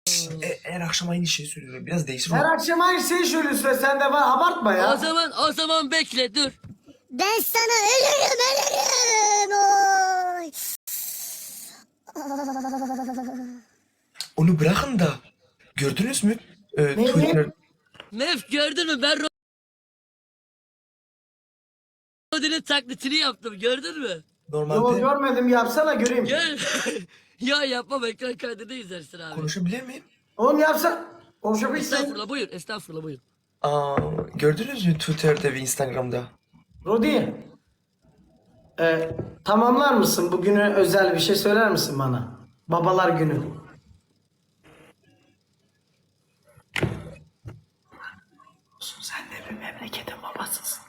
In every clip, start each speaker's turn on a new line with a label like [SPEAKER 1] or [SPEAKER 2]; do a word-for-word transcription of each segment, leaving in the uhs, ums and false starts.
[SPEAKER 1] E, her akşam aynı şeyi söylüyorum. Biraz değişir
[SPEAKER 2] Her
[SPEAKER 1] mi?
[SPEAKER 2] akşam aynı şeyi söylüyorsun. Sen de var. Abartma
[SPEAKER 3] O
[SPEAKER 2] ya.
[SPEAKER 3] zaman o zaman bekle dur.
[SPEAKER 4] Ben sana ölürüm ölürüm. Oy.
[SPEAKER 1] Onu bırakın da. Gördünüz mü? E,
[SPEAKER 2] Neyi?
[SPEAKER 1] Twitter.
[SPEAKER 3] Mef gördün mü ben Rodi'nin taklitini yaptım gördün mü?
[SPEAKER 2] Yok
[SPEAKER 1] Normalde
[SPEAKER 2] görmedim, yapsana göreyim.
[SPEAKER 3] Gel. Ya yapmam ekran kaydını izlersin abi.
[SPEAKER 1] konuşabilir miyim?
[SPEAKER 2] Oğlum yapsan. Konuşabilirsin.
[SPEAKER 3] Estağfurullah buyur estağfurullah buyur.
[SPEAKER 1] Aa, gördünüz mü Twitter'da ve Instagram'da?
[SPEAKER 2] Rodi. E, tamamlar mısın? Bugüne özel bir şey söyler misin bana? Babalar günü. Sen de bir memleketin babasısın.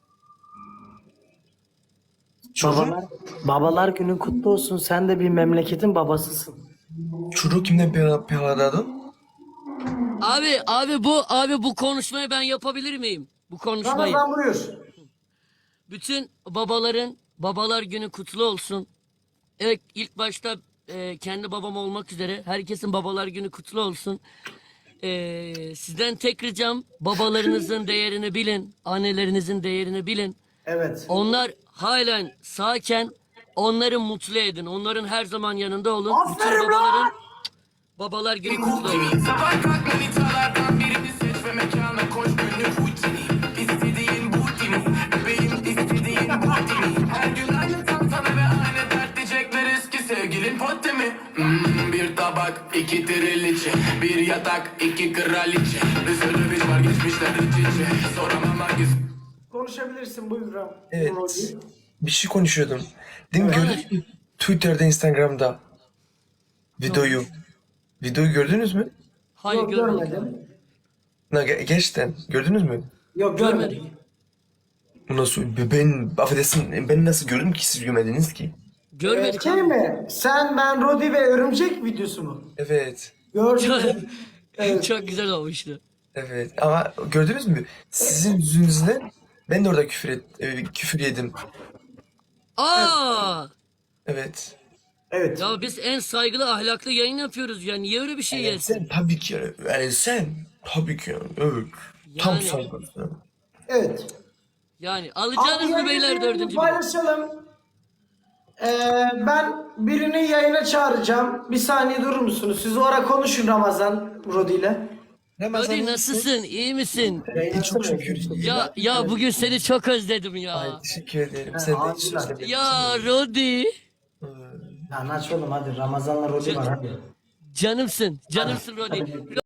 [SPEAKER 2] Babalar, babalar günü kutlu olsun. Sen de bir memleketin babasısın.
[SPEAKER 1] Çocuğu kimden pe- peladadın?
[SPEAKER 3] Abi abi bu abi bu konuşmayı ben yapabilir miyim? Bu konuşmayı.
[SPEAKER 2] Ramazan buyur.
[SPEAKER 3] Bütün babaların babalar günü kutlu olsun. Evet ilk başta e, kendi babam olmak üzere herkesin babalar günü kutlu olsun. E, sizden tek ricam babalarınızın değerini bilin. Annelerinizin değerini bilin.
[SPEAKER 2] Evet.
[SPEAKER 3] Onlar halen sağken onları mutlu edin. Onların her zaman yanında olun.
[SPEAKER 2] Aferin
[SPEAKER 3] Bütün
[SPEAKER 2] lan!
[SPEAKER 3] babaların babalar günü kutlu olsun.
[SPEAKER 5] Sabah kalk manitalardan birini seç ve mekana koş günlük rutini. İstediğin bu değil mi? Bebeğim istediğin bu değil mi? Her gün aynı tantana ve aynı dert diyecekler eski sevgilin potte mi? Hmm, bir tabak, iki triliçe, bir yatak, iki kraliçe. Bir sürü bir var geçmişler iç içe. Soramam hangisi.
[SPEAKER 2] Konuşabilirsin buyur Ram.
[SPEAKER 1] Evet.
[SPEAKER 2] Rodi.
[SPEAKER 1] Bir şey konuşuyordum. Değil mi? Gördünüz mü? Twitter'da, Instagram'da. Videoyu. Videoyu gördünüz mü?
[SPEAKER 3] Hayır
[SPEAKER 2] Yok
[SPEAKER 3] görmedik.
[SPEAKER 2] görmedim.
[SPEAKER 1] Na, ge- gerçekten gördünüz mü?
[SPEAKER 2] Yok
[SPEAKER 3] Görmedik.
[SPEAKER 2] görmedim.
[SPEAKER 1] Bu nasıl? Ben, affedersin, ben nasıl gördüm ki siz görmediniz ki?
[SPEAKER 3] Görmedik.
[SPEAKER 2] Şey mi? Sen, ben, Rodi ve Örümcek videosu mu?
[SPEAKER 1] Evet.
[SPEAKER 2] Gördüm. Evet.
[SPEAKER 3] Çok güzel olmuştu.
[SPEAKER 1] Evet. Ama gördünüz mü? Sizin yüzünüzden ben de orada küfür, et, e, küfür yedim.
[SPEAKER 3] Aa!
[SPEAKER 1] Evet.
[SPEAKER 2] Evet.
[SPEAKER 3] Ya biz en saygılı ahlaklı yayın yapıyoruz ya. Niye öyle bir şey
[SPEAKER 1] Yani
[SPEAKER 3] yesin?
[SPEAKER 1] sen tabii ki yani, yani sen tabii ki yani, evet. Tam
[SPEAKER 3] Yani-
[SPEAKER 1] saygılı.
[SPEAKER 2] Evet.
[SPEAKER 3] Yani alacağınız mı beyler
[SPEAKER 2] yayını
[SPEAKER 3] dördüncü bölüm?
[SPEAKER 2] paylaşalım. Ee, ben birini yayına çağıracağım. Bir saniye durur musunuz? Siz o ara konuşun Ramazan Rodi ile.
[SPEAKER 1] Ramazan
[SPEAKER 3] Hadi nasılsın? İyi misin?
[SPEAKER 1] iyi, çok şükür.
[SPEAKER 3] Ya ya bugün seni çok özledim ya.
[SPEAKER 1] Ay teşekkür ederim. Sen de hiç
[SPEAKER 2] aldılar.
[SPEAKER 1] özlememişsin.
[SPEAKER 3] Ya Rodi.
[SPEAKER 2] Lan aç oğlum hadi. Ramazan'la Rodi var hadi.
[SPEAKER 3] Canımsın. Canımsın Rodi.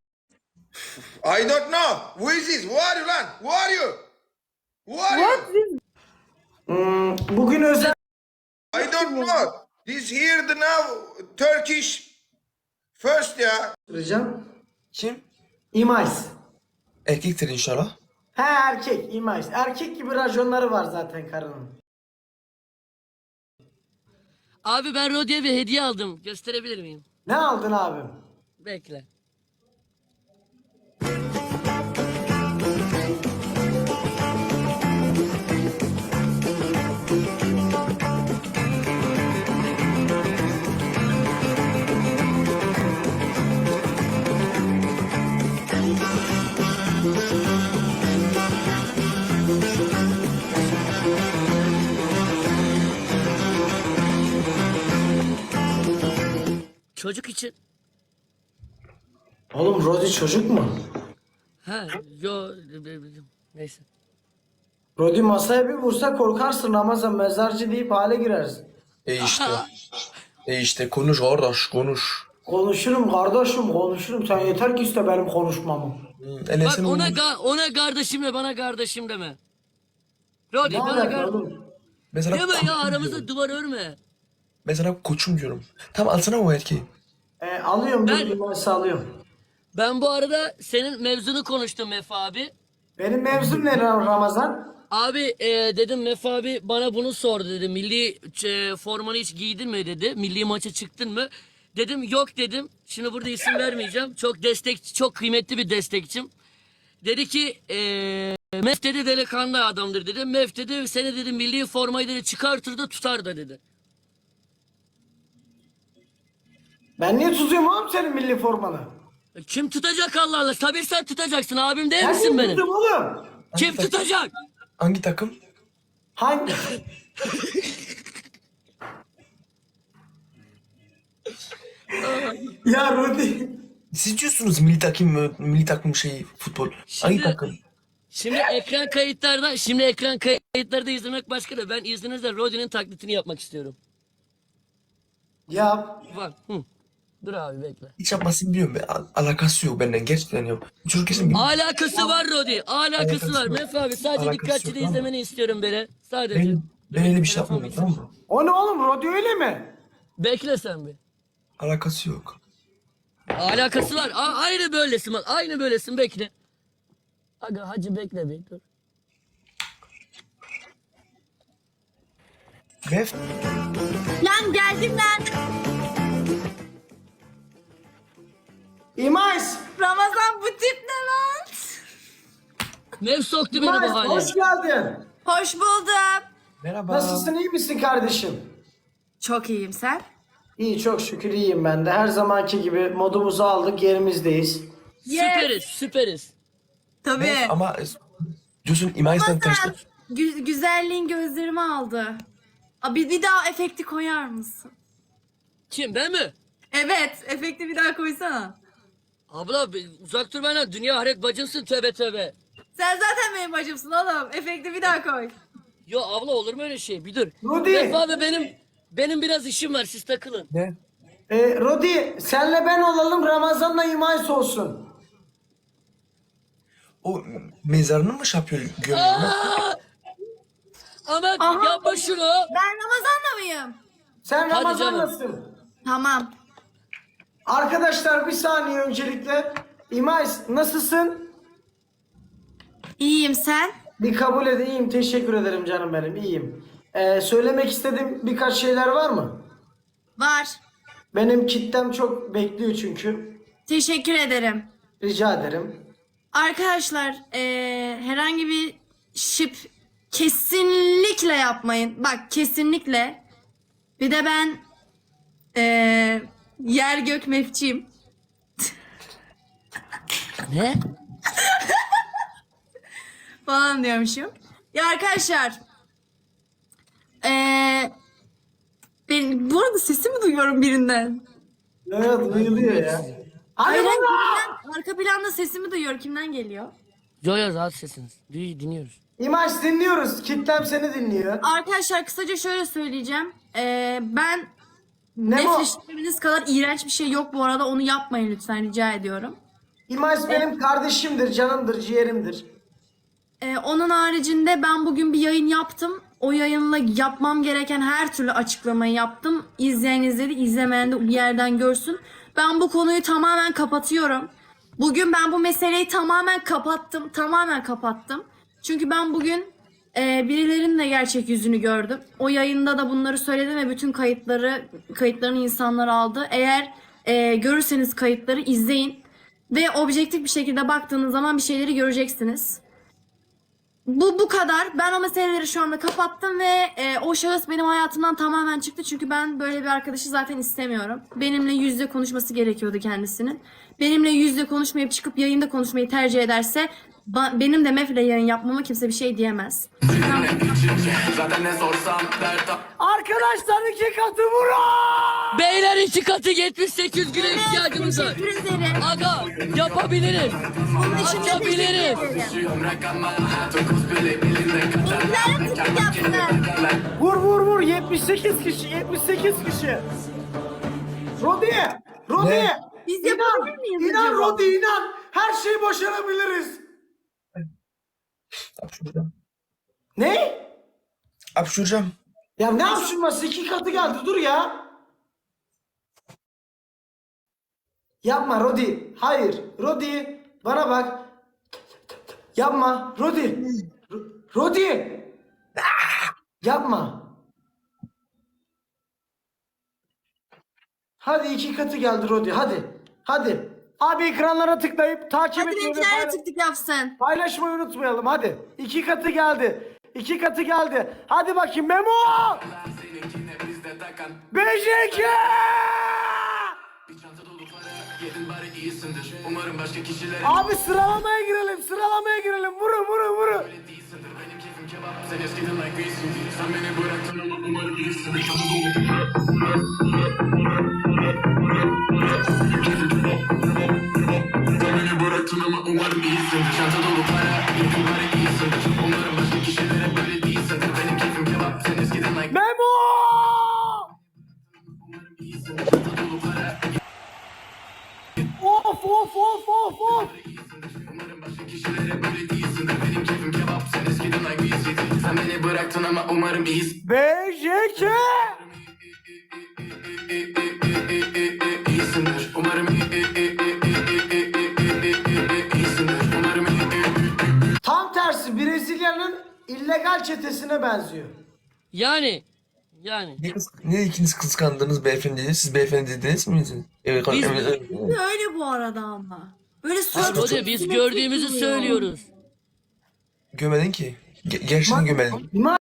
[SPEAKER 6] I don't know. Who is this? Who are you, lan? Who are you? Who are you?
[SPEAKER 2] Hmm, bugün özel
[SPEAKER 6] I don't know. This here the now Turkish first ya.
[SPEAKER 2] çağıracağım.
[SPEAKER 1] Kim?
[SPEAKER 2] İmais.
[SPEAKER 1] Erkektir inşallah.
[SPEAKER 2] He erkek İmais. Erkek gibi rajonları var zaten karının.
[SPEAKER 3] Abi ben Rodi'ye bir hediye aldım. Gösterebilir miyim?
[SPEAKER 2] Ne aldın abim?
[SPEAKER 3] Bekle. Çocuk için.
[SPEAKER 2] Oğlum Rodi çocuk mu?
[SPEAKER 3] Ha, yo neyse.
[SPEAKER 2] Rodi masaya bir vursa korkarsın Ramazan, mezarcı deyip hale girersin.
[SPEAKER 1] E işte. E işte konuş kardeş konuş.
[SPEAKER 2] Konuşurum kardeşim konuşurum. Sen yeter ki iste benim konuşmamı.
[SPEAKER 1] Enes'in
[SPEAKER 3] Bak ona
[SPEAKER 1] oğlu-
[SPEAKER 3] ga- ona kardeşim de bana kardeşim deme. Rodi
[SPEAKER 2] Ne
[SPEAKER 3] bana
[SPEAKER 2] alaka
[SPEAKER 3] kardeşim.
[SPEAKER 2] oğlum?
[SPEAKER 1] Mesela
[SPEAKER 3] Deme ya
[SPEAKER 1] koçum
[SPEAKER 3] aramızda
[SPEAKER 1] diyorum.
[SPEAKER 3] duvar örme.
[SPEAKER 1] Mesela koçum diyorum. Tamam alsana o erkeği.
[SPEAKER 2] E, alıyorum
[SPEAKER 3] Ben-
[SPEAKER 2] dur İmais'i alıyorum.
[SPEAKER 3] Ben bu arada senin mevzunu konuştum Mef abi.
[SPEAKER 2] Benim mevzum ne Ram- Ramazan?
[SPEAKER 3] Abi e, dedim Mef abi bana bunu sordu dedi. Milli e, formanı hiç giydin mi dedi. Milli maça çıktın mı? Dedim yok dedim. Şimdi burada isim vermeyeceğim. Çok destek, çok kıymetli bir destekçim. Dedi ki e, Mef dedi delikanlı adamdır dedi. Mef dedi seni dedi milli formayı dedi çıkartır da tutar da dedi.
[SPEAKER 2] Ben niye tutuyorum oğlum senin milli formanı?
[SPEAKER 3] Kim tutacak Allah Allah? Tabii sen tutacaksın. Abim değil
[SPEAKER 2] Ben
[SPEAKER 3] misin benim?
[SPEAKER 2] tuttum oğlum.
[SPEAKER 3] Kim tutacak?
[SPEAKER 1] Hangi takım?
[SPEAKER 2] Hangi? Ya Rodi.
[SPEAKER 1] Siz diyorsunuz milli takım, milli takım şeyi, futbol. Hangi
[SPEAKER 3] Şimdi-
[SPEAKER 1] takım?
[SPEAKER 3] Şimdi ekran kayıtlarda, şimdi ekran kayıtlarda izlemek başka da ben izninizle Rodi'nin taklitini yapmak istiyorum.
[SPEAKER 2] Ya
[SPEAKER 3] Bak, hı. Dur abi bekle.
[SPEAKER 1] Hiç yapmasını biliyorum ben. Al- Alakası yok benden gerçekten yok. Çocuk kesin bilmiyor.
[SPEAKER 3] Alakası var Rodi, alakası
[SPEAKER 1] Alakası
[SPEAKER 3] var.
[SPEAKER 1] yok.
[SPEAKER 3] Mef abi sadece
[SPEAKER 1] Alakası
[SPEAKER 3] dikkatli
[SPEAKER 1] yok,
[SPEAKER 3] de
[SPEAKER 1] tamam.
[SPEAKER 3] izlemeni istiyorum böyle. Sadece.
[SPEAKER 1] Ben, ben öyle bir şey
[SPEAKER 3] Telefon
[SPEAKER 1] yapmadım tamam mı?
[SPEAKER 2] o ne oğlum, Rodi öyle mi?
[SPEAKER 3] Bekle sen bir.
[SPEAKER 1] Alakası yok.
[SPEAKER 3] Alakası var. A- aynı böylesin bak. Aynı böylesin bekle. Aga hacı bekle bir dur.
[SPEAKER 1] Mef,
[SPEAKER 7] Lan geldim lan.
[SPEAKER 2] İmais.
[SPEAKER 7] Ramazan bu tip ne lan?
[SPEAKER 3] Mef soktu beni
[SPEAKER 2] İmais
[SPEAKER 3] bu hale.
[SPEAKER 2] hoş geldin.
[SPEAKER 7] Hoş buldum.
[SPEAKER 1] merhaba.
[SPEAKER 2] Nasılsın, iyi misin kardeşim?
[SPEAKER 7] Çok iyiyim sen.
[SPEAKER 2] İyi, çok şükür iyiyim ben de. Her zamanki gibi modumuzu aldık, yerimizdeyiz.
[SPEAKER 3] Süperiz süperiz.
[SPEAKER 7] Tabii.
[SPEAKER 1] Mef, ama diyorsun İmais'ten
[SPEAKER 7] Ramazan
[SPEAKER 1] tanıştık.
[SPEAKER 7] gü- güzelliğin gözlerimi aldı. Aa, bir, bir daha efekti koyar mısın?
[SPEAKER 3] Kim ben mi?
[SPEAKER 7] Evet, efekti bir daha koysana.
[SPEAKER 3] Abla bir uzak dur benden. Dünya ahiret bacımsın tövbe tövbe.
[SPEAKER 7] Sen zaten benim bacımsın oğlum. Efekti bir daha koy.
[SPEAKER 3] Yo abla olur mu öyle şey? Bir dur.
[SPEAKER 2] Rudi.
[SPEAKER 3] Mef abi benim benim biraz işim var siz takılın.
[SPEAKER 1] Ne?
[SPEAKER 2] Ee, Rodi, senle ben olalım, Ramazan'la İmais olsun.
[SPEAKER 1] O mezarını mı şey yapıyor? Gömüyor?
[SPEAKER 3] Aa! Ahmet
[SPEAKER 7] Aha.
[SPEAKER 3] yapma şunu.
[SPEAKER 7] Ben Ramazan'la mıyım?
[SPEAKER 2] Sen
[SPEAKER 3] Hadi
[SPEAKER 2] Ramazan'lasın.
[SPEAKER 7] Tamam.
[SPEAKER 2] Arkadaşlar bir saniye öncelikle. İmais nasılsın?
[SPEAKER 7] İyiyim sen.
[SPEAKER 2] Bir kabul edeyim. Teşekkür ederim canım benim. İyiyim. Ee, söylemek istediğim birkaç şeyler var mı?
[SPEAKER 7] Var.
[SPEAKER 2] Benim kitlem çok bekliyor çünkü.
[SPEAKER 7] Teşekkür ederim.
[SPEAKER 2] Rica ederim.
[SPEAKER 7] Arkadaşlar eee, herhangi bir şip kesinlikle yapmayın. Bak kesinlikle. Bir de ben eee, yer gök mefçiyim.
[SPEAKER 3] Ne?
[SPEAKER 7] Falan diyormuşum. Ya arkadaşlar eee ben bu arada sesimi duyuyorum birinden.
[SPEAKER 2] Evet, duyuluyor ya.
[SPEAKER 7] Hayır,
[SPEAKER 2] Hadi
[SPEAKER 7] hayır,
[SPEAKER 2] baba!
[SPEAKER 7] birinden- arka planda sesimi duyuyorum. Kimden geliyor?
[SPEAKER 3] Yo yo rahat sesiniz. Duy, dinliyoruz.
[SPEAKER 2] İmais dinliyoruz. Kitlem seni dinliyor.
[SPEAKER 7] Arkadaşlar kısaca şöyle söyleyeceğim. Eee, ben
[SPEAKER 2] Ne bu?
[SPEAKER 7] nefretleriniz kadar iğrenç bir şey yok bu arada. Onu yapmayın lütfen rica ediyorum.
[SPEAKER 2] İmais benim kardeşimdir, canımdır, ciğerimdir.
[SPEAKER 7] Ee, onun haricinde ben bugün bir yayın yaptım. O yayınla yapmam gereken her türlü açıklamayı yaptım. İzleyen izledi, izlemeyen de bir yerden görsün. Ben bu konuyu tamamen kapatıyorum. Bugün ben bu meseleyi tamamen kapattım. Tamamen kapattım. Çünkü ben bugün e, birilerinin de gerçek yüzünü gördüm. O yayında da bunları söyledim ve bütün kayıtları, kayıtlarını insanlar aldı. Eğer e, görürseniz kayıtları izleyin. Ve objektif bir şekilde baktığınız zaman bir şeyleri göreceksiniz. Bu bu kadar. Ben o meseleleri şu anda kapattım ve e, o şahıs benim hayatımdan tamamen çıktı. Çünkü ben böyle bir arkadaşı zaten istemiyorum. Benimle yüz yüze konuşması gerekiyordu kendisinin. Benimle yüz yüze konuşmayıp çıkıp yayında konuşmayı tercih ederse ba- benim de Mef'le yayın yapmama kimse bir şey diyemez.
[SPEAKER 5] Zaten ne sorsam dert
[SPEAKER 2] Arkadaşlar iki katı vurun!
[SPEAKER 3] Beyler iki katı yetmiş sekiz güne ihtiyacımız var.
[SPEAKER 7] Teşekkür ederim.
[SPEAKER 3] Aga yapabiliriz.
[SPEAKER 7] Bunun için de teşekkür
[SPEAKER 3] Açabiliriz.
[SPEAKER 7] ederim.
[SPEAKER 5] rakama dokuz bile belinde kadar
[SPEAKER 7] İlgilerim tıkık yapsın.
[SPEAKER 2] Vur vur vur, yetmiş sekiz kişi, yetmiş sekiz kişi. Rodi! Rodi!
[SPEAKER 1] Ne?
[SPEAKER 7] Biz
[SPEAKER 2] İnan,
[SPEAKER 7] yapabilir miyiz
[SPEAKER 2] inan
[SPEAKER 7] acaba?
[SPEAKER 2] Rodi, inan. Her şeyi başarabiliriz.
[SPEAKER 1] Hapşuracağım.
[SPEAKER 2] Ne?
[SPEAKER 1] Hapşuracağım.
[SPEAKER 2] Ya ne yapışılması? İki katı geldi, dur ya. Yapma Rodi. Hayır. Rodi. Bana bak. Yapma. Rodi. R- Rodi. Yapma. Hadi iki katı geldi Rodi. Hadi. Hadi. Abi ekranlara tıklayıp takip
[SPEAKER 7] Hadi
[SPEAKER 2] etmeyi ve
[SPEAKER 7] benimkilerle
[SPEAKER 2] paylaş-
[SPEAKER 7] tık tık yapsın.
[SPEAKER 2] paylaşmayı unutmayalım. Hadi. İki katı geldi. İki katı geldi. Hadi bakayım Memo.
[SPEAKER 5] seninkine bizde takan
[SPEAKER 2] B J K.
[SPEAKER 5] bir çanta dolu para Yedin bari iyisindir. Umarım başka kişilere
[SPEAKER 2] Abi sıralamaya girelim, sıralamaya girelim. Vurun, vurun, vurun.
[SPEAKER 5] değilsindir. Benim keyfim kebap. Sen eskiden like değilsindir. Sen beni bıraktın ama umarım iyisindir. Sen beni bıraktın ama umarım iyisindir. Çanta dolu para. Yedin bari iyisindir. Umarım başka kişilere böyle değilsindir. Benim keyfim kebap. Sen eskiden like
[SPEAKER 2] Memo!
[SPEAKER 5] iyisindir. Çanta dolu para.
[SPEAKER 2] Of of of of of.
[SPEAKER 5] Umarım başka kişilere böyle değilsindir. Benim keyfim kebap. Sen eskiden like iyisindir. Sen beni bıraktın ama umarım iyisindir.
[SPEAKER 2] B J K.
[SPEAKER 5] İyisindir. Umarım iyisindir. Umarım
[SPEAKER 2] Tam tersi Brezilya'nın illegal çetesine benziyor.
[SPEAKER 3] Yani yani
[SPEAKER 1] Niye, kıs- niye ikiniz kıskandınız beyefendiyi? Siz beyefendi değiliz misiniz? Evet,
[SPEAKER 3] Biz-
[SPEAKER 1] evet, evet.
[SPEAKER 7] Öyle bu arada ama. Böyle sözlü
[SPEAKER 3] Rodi biz
[SPEAKER 7] simetrik
[SPEAKER 3] gördüğümüzü
[SPEAKER 7] duruyor.
[SPEAKER 3] söylüyoruz.
[SPEAKER 1] Gömedin ki. Ge- gerçekten gömedin.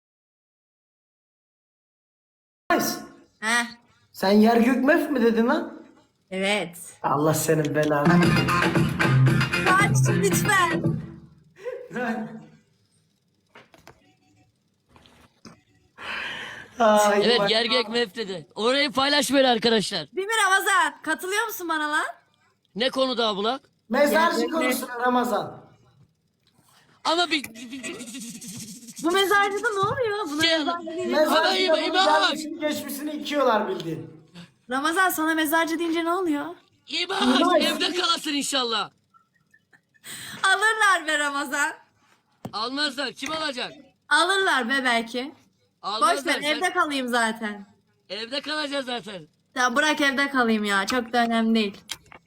[SPEAKER 2] Nice.
[SPEAKER 7] Heh.
[SPEAKER 2] Sen yer gök mef mi dedin lan?
[SPEAKER 7] Evet.
[SPEAKER 2] Allah senin belanı.
[SPEAKER 7] Kaç lütfen.
[SPEAKER 2] Ay,
[SPEAKER 3] Evet
[SPEAKER 2] bak-
[SPEAKER 3] gergek mef dedi. Orayı paylaşmayın arkadaşlar.
[SPEAKER 7] Değil mi Ramazan? Katılıyor musun bana lan?
[SPEAKER 3] Ne konuda abla?
[SPEAKER 2] Mezarcı
[SPEAKER 7] Yer gök mef.
[SPEAKER 2] konusuna Ramazan.
[SPEAKER 3] Ama bir...
[SPEAKER 7] Bu mezarcıda ne oluyor? Buna
[SPEAKER 3] Şey-
[SPEAKER 7] mezarcı deyince...
[SPEAKER 2] Mezarcı
[SPEAKER 3] İbo, İbo, İbo.
[SPEAKER 2] gelmişini geçmişini ikiyorlar bildiğin.
[SPEAKER 7] Ramazan sana mezarcı deyince ne oluyor?
[SPEAKER 3] İyi bak evde kalasın inşallah.
[SPEAKER 7] Alırlar be Ramazan.
[SPEAKER 3] Almazlar. Kim alacak?
[SPEAKER 7] Alırlar be belki. Boş
[SPEAKER 3] Almazlar.
[SPEAKER 7] ver
[SPEAKER 3] Sen-
[SPEAKER 7] evde kalayım zaten.
[SPEAKER 3] Evde kalacağız zaten.
[SPEAKER 7] Ya bırak evde kalayım ya. Çok da önemli değil.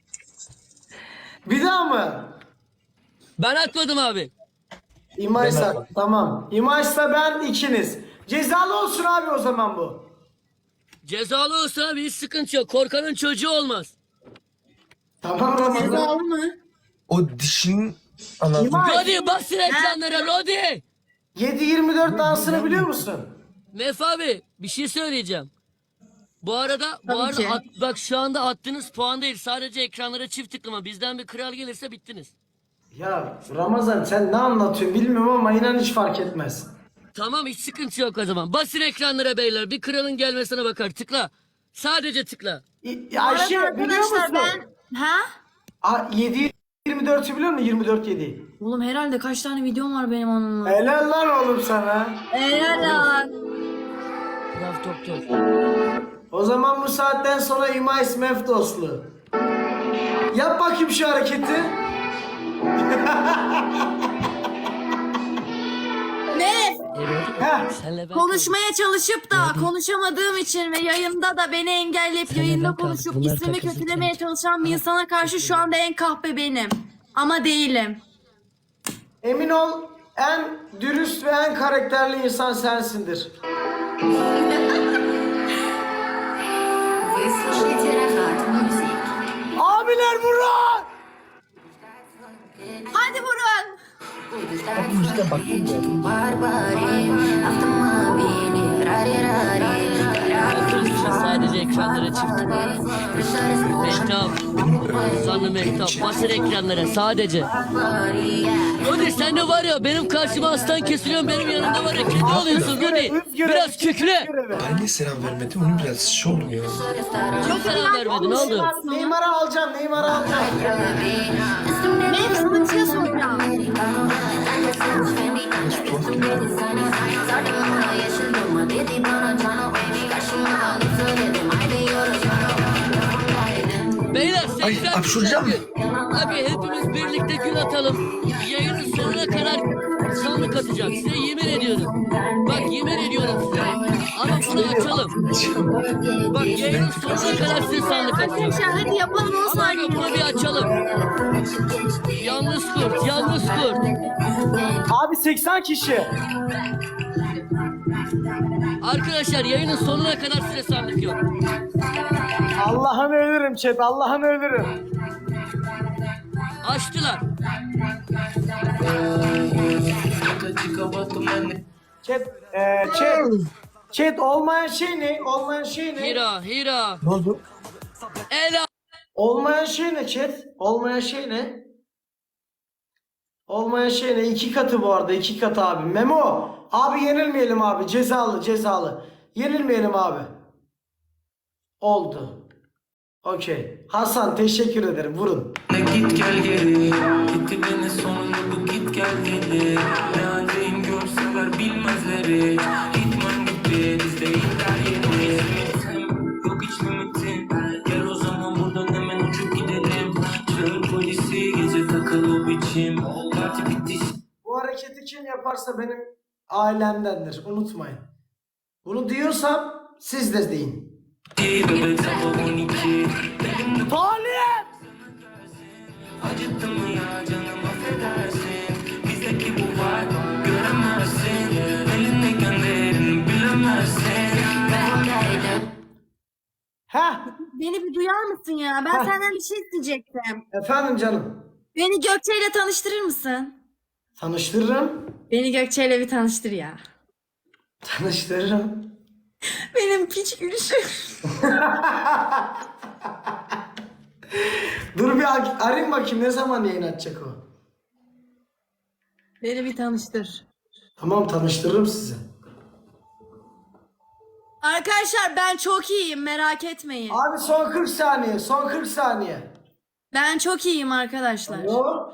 [SPEAKER 2] Bir daha mı?
[SPEAKER 3] Ben atmadım abi.
[SPEAKER 2] İmajsa tamam. İmajsa ben ikiniz. Cezalı olsun abi o zaman bu.
[SPEAKER 3] Cezalı olsa abi hiç sıkıntı yok. Korkanın çocuğu olmaz.
[SPEAKER 2] Tamam Ramazan.
[SPEAKER 7] Cezalı mı?
[SPEAKER 1] O dişinin anlatım.
[SPEAKER 2] İmaj
[SPEAKER 3] Rodi basın ekranlara Rodi.
[SPEAKER 2] yedi yirmi dört dansını biliyor musun?
[SPEAKER 3] Mef abi bir şey söyleyeceğim. Bu arada bu
[SPEAKER 7] Tabii
[SPEAKER 3] arada
[SPEAKER 7] ki.
[SPEAKER 3] at- bak şu anda attığınız puan değil. Sadece ekranlara çift tıklama. Bizden bir kral gelirse bittiniz.
[SPEAKER 2] Ya Ramazan sen ne anlatıyorsun bilmiyorum ama inan hiç fark etmez.
[SPEAKER 3] Tamam hiç sıkıntı yok o zaman. Basın ekranlara beyler. Bir kralın gelmesine bakar. Tıkla. Sadece tıkla.
[SPEAKER 2] İ-
[SPEAKER 7] Bu arada
[SPEAKER 2] Ayşe biliyor
[SPEAKER 7] arkadaşlar
[SPEAKER 2] musun?
[SPEAKER 7] ben... Ha?
[SPEAKER 2] A- yedi yirmi dörtü biliyor musun? yirmi dört yedi.
[SPEAKER 7] Oğlum herhalde kaç tane videom var benim onunla.
[SPEAKER 2] Helal lan oğlum sana.
[SPEAKER 7] Helal lan.
[SPEAKER 3] Laf doktor.
[SPEAKER 2] O zaman bu saatten sonra İmaj Mef dostluğu. Yap bakayım şu hareketi.
[SPEAKER 7] Ne?
[SPEAKER 2] Heh.
[SPEAKER 3] Senle ben
[SPEAKER 7] Konuşmaya çalışıp da konuşamadığım için ve yayında da beni engelleyip yayında
[SPEAKER 3] ben
[SPEAKER 7] konuşup
[SPEAKER 3] kaldım. Bunlar
[SPEAKER 7] ismimi
[SPEAKER 3] takıldı
[SPEAKER 7] kötülemeye
[SPEAKER 3] tabii.
[SPEAKER 7] çalışan bir insana karşı şu anda en kahpe benim. Ama değilim.
[SPEAKER 2] Emin ol en dürüst ve en karakterli insan sensindir.
[SPEAKER 8] Вы слушаете Рахат Music.
[SPEAKER 2] Abiler vurun!
[SPEAKER 7] Hadi vurun.
[SPEAKER 8] Барбари, автомобили, рари-рари.
[SPEAKER 3] Arkadaşlar sadece ekranlara çift tıkla. Mehtap. Sanlı Mehtap. Basın ekranlara sadece. Rodi sen de var ya benim karşıma aslan kesiliyorsun. Benim yanımda var ya kedi oluyorsun Rodi. Biraz kükre.
[SPEAKER 1] Ben niye selam vermedim? Onun biraz şey oldu ya.
[SPEAKER 3] Çok selam vermedi ne oldu?
[SPEAKER 2] Neymar'ı alacağım, Neymar'ı alacağım.
[SPEAKER 7] Benim sıkıntıya soracağım.
[SPEAKER 3] Beyler
[SPEAKER 1] Ay,
[SPEAKER 3] seksen
[SPEAKER 1] hapşuracağım.
[SPEAKER 3] gün. Abi hepimiz birlikte gün atalım. Yayının sonuna kadar sandık atacağım. Size yemin ediyorum. Bak yemin ediyorum size. Ama bunu açalım. Bak yayının sonuna kadar size sandık atacağım.
[SPEAKER 7] Arkadaşlar hadi yapalım o
[SPEAKER 3] Ama
[SPEAKER 7] saniye.
[SPEAKER 3] abi bunu bir açalım. Yalnız kurt, yalnız kurt.
[SPEAKER 2] Abi seksen kişi.
[SPEAKER 3] Arkadaşlar yayının sonuna kadar size sandık yok.
[SPEAKER 2] Allah'ını ölürüm chat, Allah'ını ölürüm.
[SPEAKER 3] Açtılar.
[SPEAKER 2] Chat, e, chat, chat olmayan şey ne? Olmayan şey ne?
[SPEAKER 3] Hira, Hira.
[SPEAKER 1] Ne oldu?
[SPEAKER 3] Ela.
[SPEAKER 2] Olmayan şey ne chat? Olmayan şey ne? Olmayan şey ne? İki katı bu arada. iki katı abi. Memo. Abi yenilmeyelim abi. Cezalı cezalı. Yenilmeyelim abi. Oldu. Okey. Hasan teşekkür ederim. Vurun.
[SPEAKER 5] Ne git gel geri Gitti beni sonunda bu git gel dedi Ne haldeyim görseler bilmezleri Gitmem gitti biz değiller yeni Yok hiç limitim Gel o zaman buradan hemen uçup gidelim Çağır polisi gece takıl o biçim Parti bitti
[SPEAKER 2] Bu hareketi kim yaparsa benim ailemdendir. Unutmayın. Bunu diyorsam siz de deyin.
[SPEAKER 5] bebek sabah on iki
[SPEAKER 2] Talip!
[SPEAKER 5] Acıttın mı ya canım affedersin Bizdeki bu var göremezsin Elindeyken değerini bilemezsin
[SPEAKER 2] Heh.
[SPEAKER 7] Beni bir duyar mısın ya? Ben
[SPEAKER 2] Heh.
[SPEAKER 7] senden bir şey isteyecektim.
[SPEAKER 2] Efendim canım.
[SPEAKER 7] Beni Gökçe ile tanıştırır mısın?
[SPEAKER 2] Tanıştırırım.
[SPEAKER 7] Beni Gökçe ile bir tanıştır ya.
[SPEAKER 2] Tanıştırırım.
[SPEAKER 7] Benim piç gülüşüm.
[SPEAKER 2] Dur bir ar- arayayım bakayım ne zaman yayın açacak o.
[SPEAKER 7] Beni bir tanıştır.
[SPEAKER 2] Tamam tanıştırırım sizi.
[SPEAKER 7] Arkadaşlar ben çok iyiyim, merak etmeyin.
[SPEAKER 2] Abi son kırk saniye. Son kırk saniye.
[SPEAKER 7] Ben çok iyiyim arkadaşlar.
[SPEAKER 2] Alo.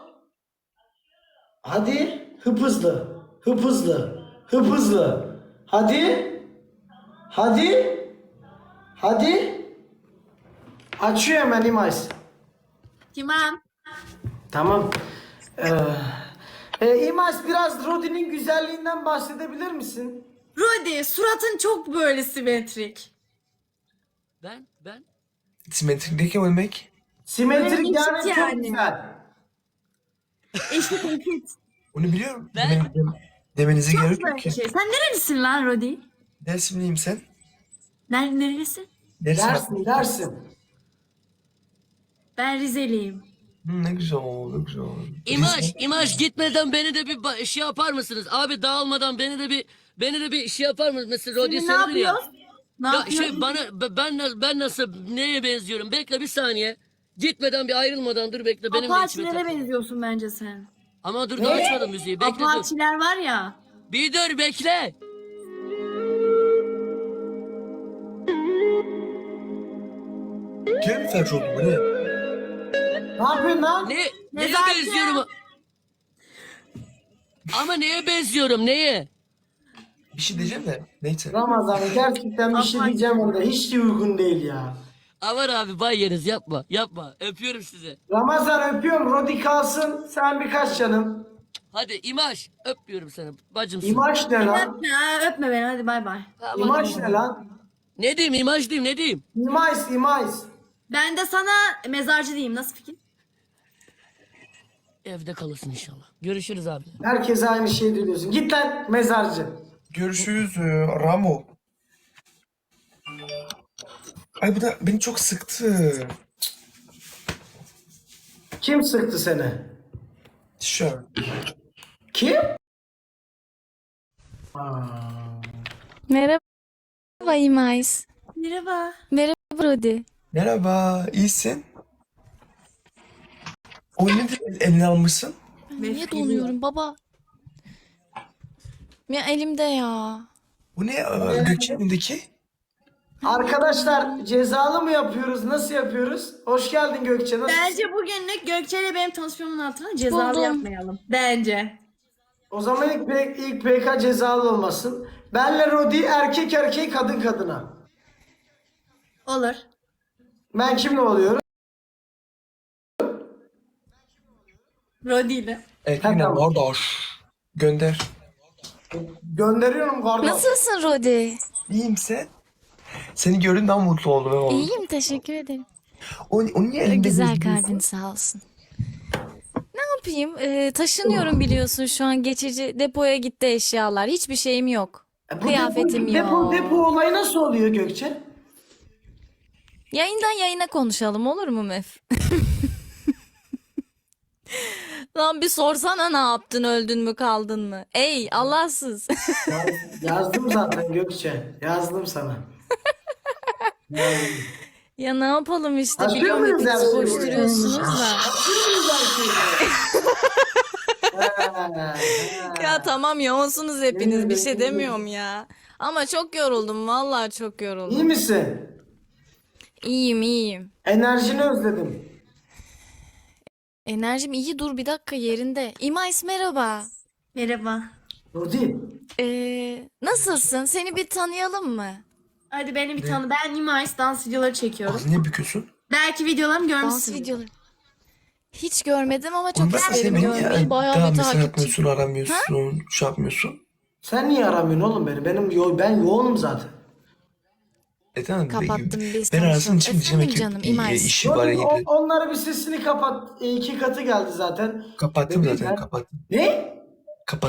[SPEAKER 2] Hadi. Hıp hızlı. Hıp hızlı. Hıp hızlı. Hadi. Hadi. Hadi. Açıyor hemen İmais.
[SPEAKER 7] Tamam.
[SPEAKER 2] Tamam. Ee, e, İmais biraz Rodi'nin güzelliğinden bahsedebilir misin?
[SPEAKER 7] Rodi, suratın çok böyle simetrik.
[SPEAKER 3] Ben ben
[SPEAKER 1] Simetrikdeki o demek.
[SPEAKER 2] Simetrik
[SPEAKER 7] Eşit
[SPEAKER 2] yani, çok
[SPEAKER 7] yani.
[SPEAKER 2] güzel.
[SPEAKER 7] Eşit eşit.
[SPEAKER 1] Onu biliyorum.
[SPEAKER 3] Ben-
[SPEAKER 1] Demen- dem- demenize
[SPEAKER 7] Çok
[SPEAKER 1] gerek yok
[SPEAKER 7] böyle
[SPEAKER 1] ki.
[SPEAKER 7] şey. Sen nerelisin lan Rodi?
[SPEAKER 1] Dersimliyim sen.
[SPEAKER 7] Ner nerelisin?
[SPEAKER 1] Dersim.
[SPEAKER 2] Dersin dersin.
[SPEAKER 7] Ben Rizeliyim.
[SPEAKER 1] Hı, ne güzel oldu, ne güzel oldu.
[SPEAKER 3] İmaj, imaj gitmeden beni de bir ba- şey yapar mısınız? Abi dağılmadan beni de bir beni de bir şey yapar mısınız? Mesela Rodi
[SPEAKER 7] Şimdi ne
[SPEAKER 3] söyledin ya.
[SPEAKER 7] yapıyoruz? Ne
[SPEAKER 3] Ya
[SPEAKER 7] yapıyoruz?
[SPEAKER 3] şey bana be- ben na- ben nasıl neye benziyorum? Bekle bir saniye. Gitmeden bir ayrılmadan dur bekle benim de içime
[SPEAKER 7] Apaçilere
[SPEAKER 3] tak.
[SPEAKER 7] benziyorsun bence sen.
[SPEAKER 3] Ama dur daha açmadım müziği. Bekle dur.
[SPEAKER 7] Apaçiler var ya.
[SPEAKER 3] Bir dur bekle.
[SPEAKER 1] Gel mi felç oldu bu ne?
[SPEAKER 2] Ne yapıyorsun lan?
[SPEAKER 3] Ne neye
[SPEAKER 7] Nezaket.
[SPEAKER 3] benziyorum? Ama neye benziyorum? Neye?
[SPEAKER 1] Bir şey diyeceğim de. Neyse.
[SPEAKER 2] Ramazan gerçekten bir şey
[SPEAKER 7] Aman.
[SPEAKER 2] diyeceğim orada. Hiç de uygun değil ya.
[SPEAKER 3] Aman abi bay yeriz yapma. Yapma. Öpüyorum sizi.
[SPEAKER 2] Ramazan öpüyorum. Rodi kalsın. Sen birkaç canım.
[SPEAKER 3] Hadi imaj. Öpüyorum seni. Bacımsın.
[SPEAKER 2] İmaj ne lan?
[SPEAKER 7] Öpme, ha, öpme beni hadi bay bay.
[SPEAKER 3] Aman
[SPEAKER 2] İmaj
[SPEAKER 3] aman.
[SPEAKER 2] ne lan?
[SPEAKER 3] Ne diyeyim imaj diyeyim ne diyeyim?
[SPEAKER 2] İmaj, imaj.
[SPEAKER 7] Ben de sana mezarcı diyeyim. Nasıl fikir?
[SPEAKER 3] Evde kalırsın inşallah. Görüşürüz abi.
[SPEAKER 2] Herkese aynı şeyi diyorsun. Git lan mezarcı.
[SPEAKER 1] Görüşürüz e, Ramo. Ay bu da beni çok sıktı.
[SPEAKER 2] Kim sıktı seni?
[SPEAKER 1] Tişört.
[SPEAKER 2] Kim?
[SPEAKER 9] Merhaba İmais.
[SPEAKER 7] Merhaba.
[SPEAKER 9] Merhaba Rodi.
[SPEAKER 1] Merhaba, iyisin? O nedir eline almışsın?
[SPEAKER 9] Ben niye
[SPEAKER 7] Mef
[SPEAKER 9] donuyorum baba? Ya elimde ya.
[SPEAKER 1] Bu ne e, Gökçe'nin elindeki?
[SPEAKER 2] Arkadaşlar cezalı mı yapıyoruz? Nasıl yapıyoruz? Hoş geldin Gökçe. Nasılsın?
[SPEAKER 7] Bence bugünlük Gökçe ile benim tanışmamın altına cezalı
[SPEAKER 9] Buldum.
[SPEAKER 7] yapmayalım. Bence.
[SPEAKER 2] O zaman ilk, P- ilk P K cezalı olmasın. Benle Rodi erkek erkeğe kadın kadına.
[SPEAKER 7] Olur.
[SPEAKER 2] Ben kimle oluyorum?
[SPEAKER 7] Rodi ile.
[SPEAKER 1] Ekline
[SPEAKER 2] tamam.
[SPEAKER 1] kardeş. Gönder.
[SPEAKER 2] Gönderiyorum kardeş.
[SPEAKER 9] Nasılsın Rodi?
[SPEAKER 1] İyiyim sen? Seni gördüm daha mutlu oldum. ben oğlum.
[SPEAKER 9] İyiyim teşekkür ederim.
[SPEAKER 1] O, o niye elinde
[SPEAKER 9] Güzel
[SPEAKER 1] geziyorsun?
[SPEAKER 9] kalbin sağ olsun. Ne yapayım? Ee, taşınıyorum biliyorsun şu an geçici depoya gitti eşyalar. Hiçbir şeyim yok.
[SPEAKER 2] E, bu
[SPEAKER 9] Kıyafetim
[SPEAKER 2] depo,
[SPEAKER 9] yok.
[SPEAKER 2] Depo, depo olayı nasıl oluyor Gökçe?
[SPEAKER 9] Yayından yayına konuşalım olur mu Mef? Lan bir sorsana ne yaptın öldün mü kaldın mı? Ey Allahsız.
[SPEAKER 2] Yaz- Yazdım zaten Gökçe. Yazdım sana. Yazdım.
[SPEAKER 9] Ya ne yapalım işte,
[SPEAKER 2] Başlıyor
[SPEAKER 9] biliyorum
[SPEAKER 2] muyuz
[SPEAKER 9] hepiniz
[SPEAKER 2] her şeyi?
[SPEAKER 9] koşturuyorsunuz da. Ya tamam yoğunsunuz hepiniz, bir şey demiyorum ya. Ama çok yoruldum, vallahi çok
[SPEAKER 2] İyi
[SPEAKER 9] yoruldum.
[SPEAKER 2] misin?
[SPEAKER 9] İyiyim iyiyim.
[SPEAKER 2] Enerjini özledim.
[SPEAKER 9] Enerjim iyi, dur bir dakika yerinde. İmais merhaba.
[SPEAKER 7] Merhaba.
[SPEAKER 2] Rodi.
[SPEAKER 9] Ee, nasılsın? Seni bir tanıyalım mı?
[SPEAKER 7] Hadi beni bir tanı. Ben Nimayis, dans videoları çekiyorum.
[SPEAKER 1] Ağzını niye büküyorsun?
[SPEAKER 7] Belki videolarımı
[SPEAKER 9] Dans
[SPEAKER 7] görmüşsünüz.
[SPEAKER 9] videoları. Hiç görmedim ama
[SPEAKER 1] Oğlum
[SPEAKER 9] çok
[SPEAKER 1] ben
[SPEAKER 9] isterim
[SPEAKER 1] seni
[SPEAKER 9] görmeyi.
[SPEAKER 1] ya.
[SPEAKER 9] Bayağı
[SPEAKER 1] Daha
[SPEAKER 9] bir
[SPEAKER 1] mesaj
[SPEAKER 9] takipçi.
[SPEAKER 1] atmıyorsun, aramıyorsun, şey yapmıyorsun.
[SPEAKER 2] Sen niye aramıyorsun oğlum beni? Benim yo ben yoğunum zaten.
[SPEAKER 1] E tamam.
[SPEAKER 9] Kapattım, biz
[SPEAKER 1] Ben arasın
[SPEAKER 9] konuşalım.
[SPEAKER 1] için diyeceğim
[SPEAKER 9] Efendim
[SPEAKER 1] ki
[SPEAKER 9] canım,
[SPEAKER 1] e,
[SPEAKER 9] İmais.
[SPEAKER 1] işi var
[SPEAKER 2] Rodi,
[SPEAKER 1] ya.
[SPEAKER 2] o- onlara bir sesini kapat. E, iki katı geldi zaten.
[SPEAKER 1] Kapattım
[SPEAKER 2] Bebeğim
[SPEAKER 1] zaten,
[SPEAKER 2] ben-
[SPEAKER 1] kapattım.
[SPEAKER 2] Ne?
[SPEAKER 1] Kapat.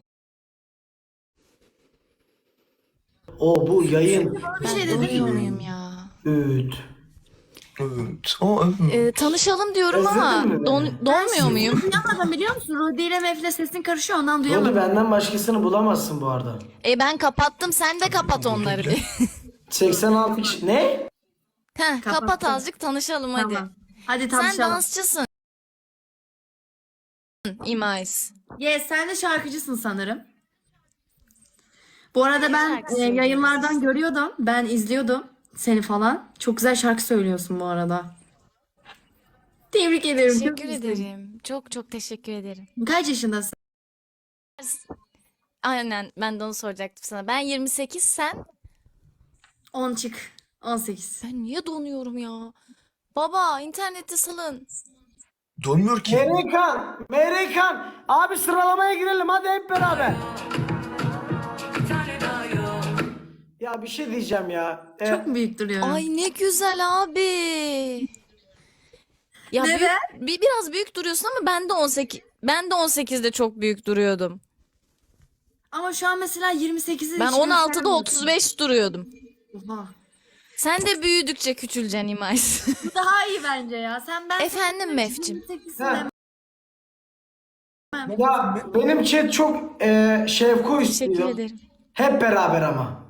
[SPEAKER 2] O bu yayın.
[SPEAKER 7] Bir şey
[SPEAKER 9] Ben
[SPEAKER 7] dedim.
[SPEAKER 9] donuyor muyum ya?
[SPEAKER 2] Üt.
[SPEAKER 1] Evet. O, evet.
[SPEAKER 9] Ee, tanışalım diyorum
[SPEAKER 2] Özledin
[SPEAKER 9] ama
[SPEAKER 2] mi beni?
[SPEAKER 9] don, donmuyor muyum?
[SPEAKER 7] Duyamadım biliyor musun? Rodi ile Mef'le sesin karışıyor, ondan
[SPEAKER 2] Rodi
[SPEAKER 7] duyamadım.
[SPEAKER 2] benden başkasını bulamazsın bu arada.
[SPEAKER 9] E ben kapattım, sen de kapat onları bir.
[SPEAKER 2] seksen altı kişi. Ne?
[SPEAKER 9] Heh, kapat
[SPEAKER 7] Kapattım.
[SPEAKER 9] azıcık tanışalım hadi.
[SPEAKER 7] Tamam. Hadi
[SPEAKER 9] Sen
[SPEAKER 7] tanışalım.
[SPEAKER 9] dansçısın. İmais.
[SPEAKER 7] Yes, sen de şarkıcısın sanırım. Bu arada ben
[SPEAKER 9] şarkı
[SPEAKER 7] e, yayınlardan görüyordum. Ben izliyordum seni falan. Çok güzel şarkı söylüyorsun bu arada. Tebrik ederim. Çok
[SPEAKER 9] Teşekkür
[SPEAKER 7] iyisin.
[SPEAKER 9] ederim. Çok çok teşekkür ederim.
[SPEAKER 7] Kaç yaşındasın?
[SPEAKER 9] Aynen, ben de onu soracaktım sana. Ben yirmi sekiz, sen?
[SPEAKER 7] on çık. on sekiz.
[SPEAKER 9] Ben niye donuyorum ya? Baba internette salın.
[SPEAKER 1] Donmuyor ki.
[SPEAKER 2] Meyrekan. Meyrekan. Abi sıralamaya girelim hadi hep beraber. Ya bir şey diyeceğim ya. Ee,
[SPEAKER 7] Çok mu büyük duruyorum?
[SPEAKER 9] Ay ne güzel abi. Ya
[SPEAKER 7] Neden?
[SPEAKER 9] büyük, bir, biraz büyük duruyorsun ama ben de on sekiz ben de on sekizde çok büyük duruyordum.
[SPEAKER 7] Ama şu an mesela yirmi sekizi
[SPEAKER 9] Ben
[SPEAKER 7] hiç
[SPEAKER 9] on altıda
[SPEAKER 7] göstermiyorsun.
[SPEAKER 9] otuz beş duruyordum.
[SPEAKER 7] Oha.
[SPEAKER 9] Sen de büyüdükçe küçüleceksin İmais.
[SPEAKER 7] Bu daha iyi bence ya. Sen ben
[SPEAKER 9] Efendim Mefcim.
[SPEAKER 7] yirmi sekizsin
[SPEAKER 2] Ha.
[SPEAKER 7] demem.
[SPEAKER 2] Ya benim chat çok e, şevku
[SPEAKER 9] Teşekkür
[SPEAKER 2] istiyor.
[SPEAKER 9] ederim.
[SPEAKER 2] Hep beraber ama.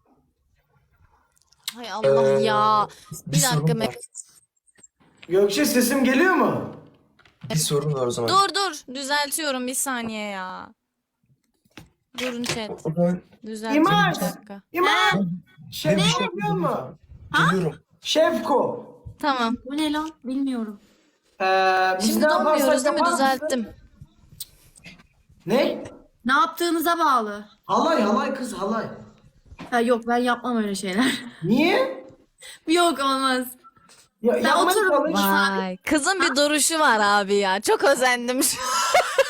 [SPEAKER 9] Hay Allah ya.
[SPEAKER 1] Bir,
[SPEAKER 9] Bir dakika
[SPEAKER 1] sorun var.
[SPEAKER 9] Mef.
[SPEAKER 2] Gökçe sesim geliyor mu?
[SPEAKER 1] Bir sorun var o zaman.
[SPEAKER 9] Dur dur. Düzeltiyorum bir saniye ya. Durun chat.
[SPEAKER 1] O zaman
[SPEAKER 9] Düzeltiyorum
[SPEAKER 2] İmar.
[SPEAKER 9] bir dakika.
[SPEAKER 2] İmam. Şef,
[SPEAKER 1] bir
[SPEAKER 2] ne
[SPEAKER 1] şey
[SPEAKER 2] yapıyor mu?
[SPEAKER 1] geliyorum.
[SPEAKER 2] Şefko.
[SPEAKER 9] Tamam.
[SPEAKER 7] Bu ne lan? Bilmiyorum.
[SPEAKER 2] Ee, biz
[SPEAKER 9] Şimdi
[SPEAKER 2] ne yaparsak
[SPEAKER 9] donmuyoruz değil mi?
[SPEAKER 2] yapar mısın?
[SPEAKER 9] Düzelttim.
[SPEAKER 2] Ne?
[SPEAKER 7] Ne yaptığınıza bağlı.
[SPEAKER 2] Halay halay kız halay.
[SPEAKER 7] Ha, yok ben yapmam öyle şeyler.
[SPEAKER 2] Niye?
[SPEAKER 7] Yok olmaz.
[SPEAKER 2] Ya,
[SPEAKER 7] Ben
[SPEAKER 2] yapmaya
[SPEAKER 7] otururum.
[SPEAKER 2] çalış.
[SPEAKER 9] Vay. Kızın bir duruşu var abi ya. Çok özendim şu an.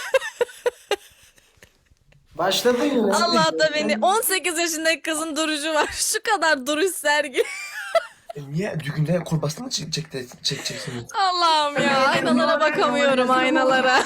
[SPEAKER 2] Başladın yine.
[SPEAKER 9] Allah da beni. on sekiz yaşındaki kızın duruşu var. Şu kadar duruş sergi.
[SPEAKER 1] E niye düğünde kurbasını mı çekecek, çekeceksiniz?
[SPEAKER 9] Allah'ım ya. Aynalara bakamıyorum aynalara.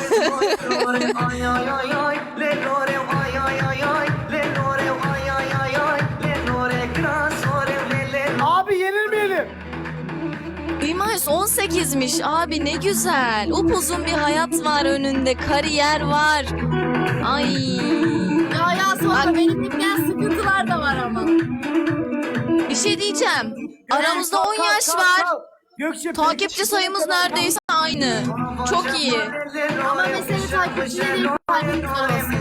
[SPEAKER 2] Abi yenilmeyelim.
[SPEAKER 9] İmais on sekizmiş abi, ne güzel. Upuzun bir hayat var önünde. Kariyer var. Ay.
[SPEAKER 7] Ya ya sonra benim bilmeyen sıkıntılar da var ama.
[SPEAKER 9] Bir şey diyeceğim. Aramızda
[SPEAKER 2] Kalk,
[SPEAKER 9] on
[SPEAKER 2] kalk,
[SPEAKER 9] yaş
[SPEAKER 2] kalk,
[SPEAKER 9] var.
[SPEAKER 2] kalk. Gökçe,
[SPEAKER 9] Takipçi sayımız neredeyse aynı. Çok iyi.
[SPEAKER 7] Ama mesele takipçiyle değil, takipçiler olsun.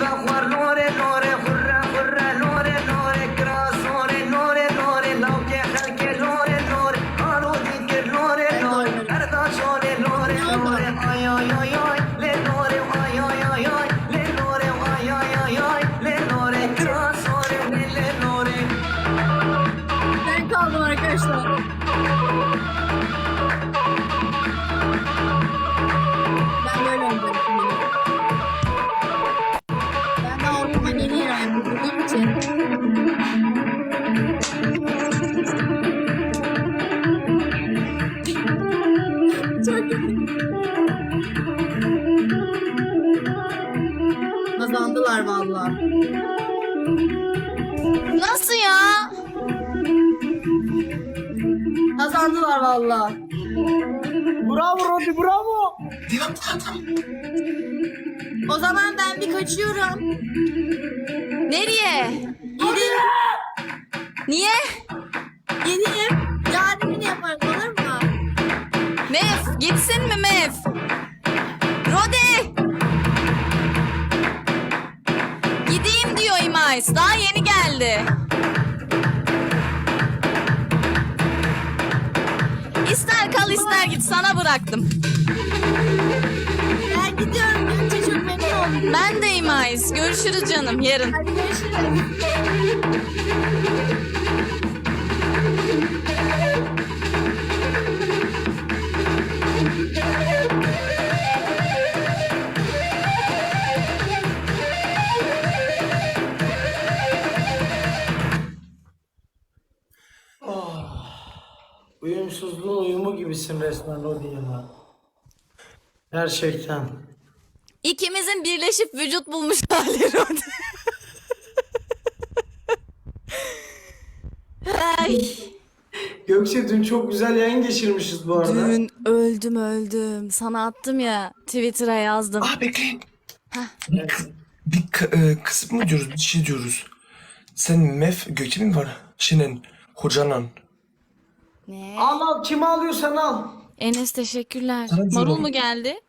[SPEAKER 7] Ben kaldım arkadaşlar. Ben böyle oynayacağım şimdi. Ben de Avrupa yeni yani bulduğum için. Çok iyi. Kazandılar vallahi.
[SPEAKER 9] Nasıl ya?
[SPEAKER 7] Kazandılar vallahi.
[SPEAKER 2] Bravo Rodi bravo.
[SPEAKER 1] Devam, tamam, tamam.
[SPEAKER 7] O zaman ben bir kaçıyorum.
[SPEAKER 9] Nereye?
[SPEAKER 7] Gideyim.
[SPEAKER 9] Niye?
[SPEAKER 7] Gideyim. Yarın yine yaparız olur
[SPEAKER 9] Gitsin mi Mev? Rodi! Gideyim diyor İmais. Daha yeni geldi. İster kal ister git, sana bıraktım.
[SPEAKER 7] Ben gidiyorum Gökçe, çok memnun oldum.
[SPEAKER 9] Ben de İmais. Görüşürüz canım yarın.
[SPEAKER 7] Hadi görüşürüz.
[SPEAKER 2] Uyumsuzluğun uyumu gibisin resmen Rodi ya. Gerçekten.
[SPEAKER 9] İkimizin birleşip vücut bulmuş hali Rodi. Ay.
[SPEAKER 2] Gökçe dün çok güzel yayın geçirmişiz bu arada.
[SPEAKER 9] Dün öldüm öldüm. Sana attım ya, Twitter'a yazdım.
[SPEAKER 1] Aa bekleyin. Bir, kı- bir kı- e, kısım mı diyoruz? Bir şey diyoruz. Sen Mef Gökçe mi var? Senin hocanan.
[SPEAKER 9] Ne?
[SPEAKER 2] Al al, kimi alıyorsan al.
[SPEAKER 9] Enes teşekkürler.
[SPEAKER 1] Sana
[SPEAKER 9] Marul
[SPEAKER 1] diyorum.
[SPEAKER 9] mu geldi?